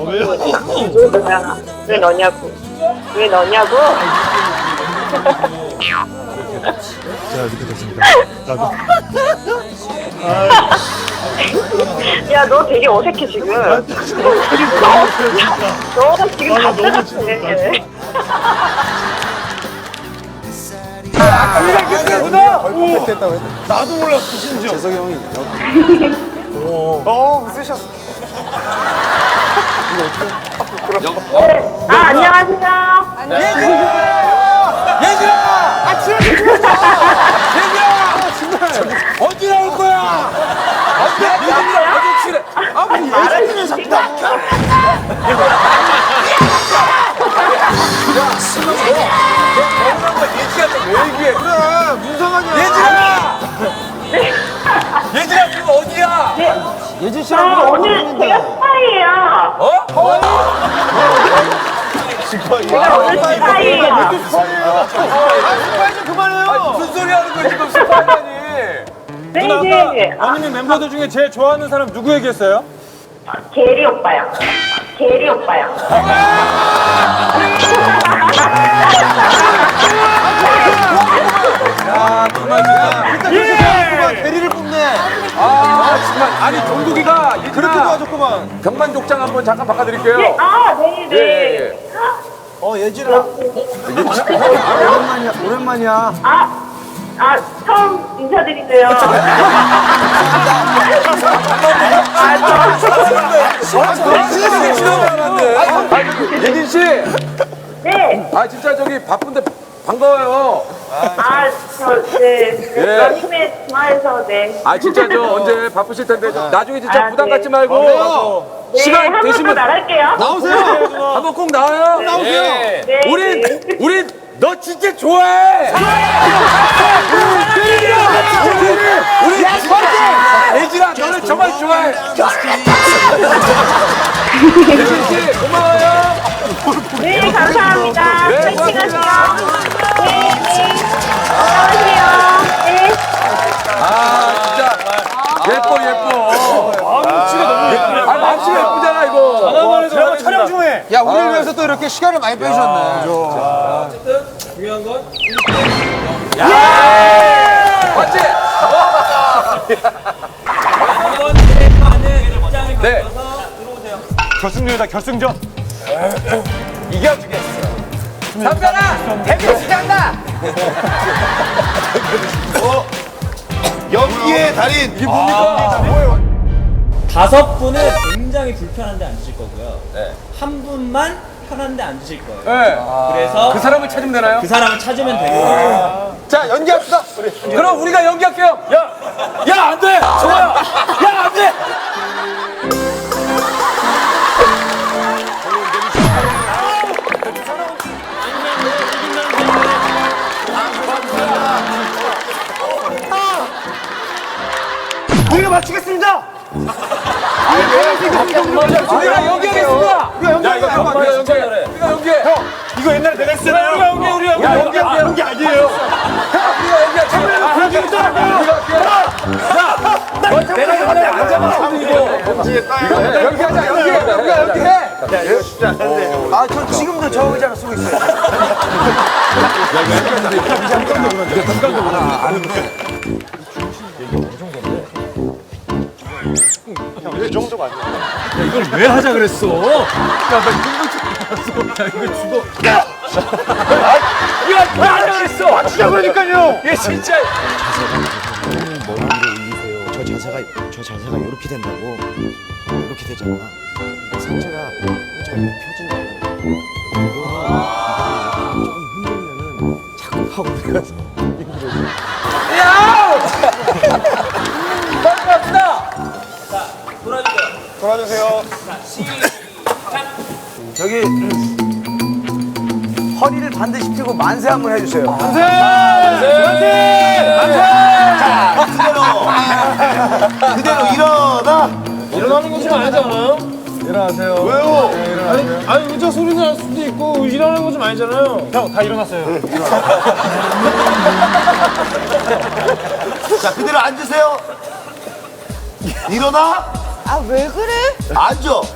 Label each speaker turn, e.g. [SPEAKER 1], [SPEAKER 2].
[SPEAKER 1] 왜요?
[SPEAKER 2] 왜 너냐고. 왜 너냐고?
[SPEAKER 1] 자, 이렇게 됐습니다. 나도.
[SPEAKER 2] 야, 너 되게 어색해, 지금. 너 지금 답답해.
[SPEAKER 1] 나도 몰랐어, 심지어.
[SPEAKER 3] 재석이 형이
[SPEAKER 1] 쓰셨어.
[SPEAKER 2] 안녕하세요.
[SPEAKER 3] 얘들아! 언제 나올 거야? 언제 출해?
[SPEAKER 2] 말을 지금.
[SPEAKER 3] 그래, 문상아냐? 얘들아, 지금 어디야? 예진 씨랑
[SPEAKER 2] 오늘 제가 스파이예요. 제가 오늘 스파이예요.
[SPEAKER 3] 스파이 좀 그만해요. 무슨 소리 하는 거야, 지금 스파이라니?
[SPEAKER 2] 네네.
[SPEAKER 4] 언니네 멤버들 중에 제일 좋아하는 사람 누구 얘기했어요?
[SPEAKER 2] 게리 오빠요. 게리 오빠요.
[SPEAKER 3] 야, 정말 진짜. 대리를 뽑네. 아, 정말. 아니, 정국이가 그렇게 도와줬구만. 병만족장 한번 잠깐 바꿔드릴게요.
[SPEAKER 2] 네네.
[SPEAKER 3] 예진아. 오랜만이야.
[SPEAKER 2] 처음 인사드리세요.
[SPEAKER 3] 예진 씨.
[SPEAKER 2] 네.
[SPEAKER 3] 진짜 저기 바쁜데 반가워요.
[SPEAKER 2] 네. 러닝맨 좋아해서, 네.
[SPEAKER 3] 진짜 저 언제 바쁘실 텐데 나중에 진짜 부담 갖지 말고
[SPEAKER 2] 네,
[SPEAKER 3] 시간
[SPEAKER 2] 한번 더
[SPEAKER 3] 되시면
[SPEAKER 2] 나갈게요.
[SPEAKER 3] 나오세요. 한번 꼭 나와요. 나오세요.
[SPEAKER 2] 네.
[SPEAKER 3] 우린 너 진짜 좋아해. 우리 예진아 너를 정말 좋아해. 예진 씨 고마워요.
[SPEAKER 2] 네, 감사합니다.
[SPEAKER 3] 네,
[SPEAKER 2] 파이팅
[SPEAKER 3] 고맙습니다.
[SPEAKER 2] 하세요. 네. 안녕하세요. 네.
[SPEAKER 3] 진짜 예뻐. 마음씨가 너무 예쁘네. 마음씨가 예쁘잖아 이거.
[SPEAKER 4] 드라마 촬영 중에.
[SPEAKER 3] 야 우리를 위해서 또 이렇게 시간을 많이 빼주셨네.
[SPEAKER 4] 중요한 건
[SPEAKER 3] 맞지? 네.
[SPEAKER 4] 결승전이다 결승전.
[SPEAKER 3] 이겨주겠어. 선배가 데뷔 시작한다.
[SPEAKER 1] 연기의 달인.
[SPEAKER 3] 이게 뭡니까?
[SPEAKER 5] 5분은 굉장히 불편한데 앉으실 거고요. 한 분만 편한데 앉으실 거예요.
[SPEAKER 3] 네.
[SPEAKER 5] 그래서
[SPEAKER 3] 그 사람을 찾으면 되나요?
[SPEAKER 5] 그 사람을 찾으면 되고요.
[SPEAKER 3] 자 연기합시다. 그럼 우리가 연기할게요. 야 안 돼. 좋아요. 야 안 돼.
[SPEAKER 4] 우리가 맞추겠습니다.
[SPEAKER 3] 우리가 연기하겠습니다. 우리가 연기해. 우리가 연기해.
[SPEAKER 4] 이거 옛날에 내가 했잖아요. 우리가 연기 아니에요.
[SPEAKER 3] 내가 전에 안 잡았어 이거. 연기하자 연기해.
[SPEAKER 6] 저 지금도 저 의자를 쓰고 있어요.
[SPEAKER 1] 그 정도가 아니야.
[SPEAKER 4] 이걸 왜 하자 그랬어? 야나 이거 죽어.
[SPEAKER 3] 왜 하자 그랬어?
[SPEAKER 4] 맞추자 그러니까요.
[SPEAKER 3] 얘 진짜.
[SPEAKER 6] 머리 위로 올리세요. 저 자세가 이렇게 된다고. 이렇게 되잖아. 상체가 좀 펴진다고. 좀 흔들면은 자꾸 하고 들어가서
[SPEAKER 3] 야! 빨리 갑시다.
[SPEAKER 1] 돌아주세요.
[SPEAKER 6] 저기 허리를 반드시 펴고 만세 한번 해주세요.
[SPEAKER 1] 그대로 일어나.
[SPEAKER 4] 일어나는 것이 아니지 않아요? 일어나세요.
[SPEAKER 1] 왜요?
[SPEAKER 4] 아니 의자 소리 날 수도 있고 일어나는 건 좀 아니잖아요. 형 다 일어났어요.
[SPEAKER 1] 자, 그대로 앉으세요. 일어나.
[SPEAKER 7] 아, 왜 그래?
[SPEAKER 1] 앉아.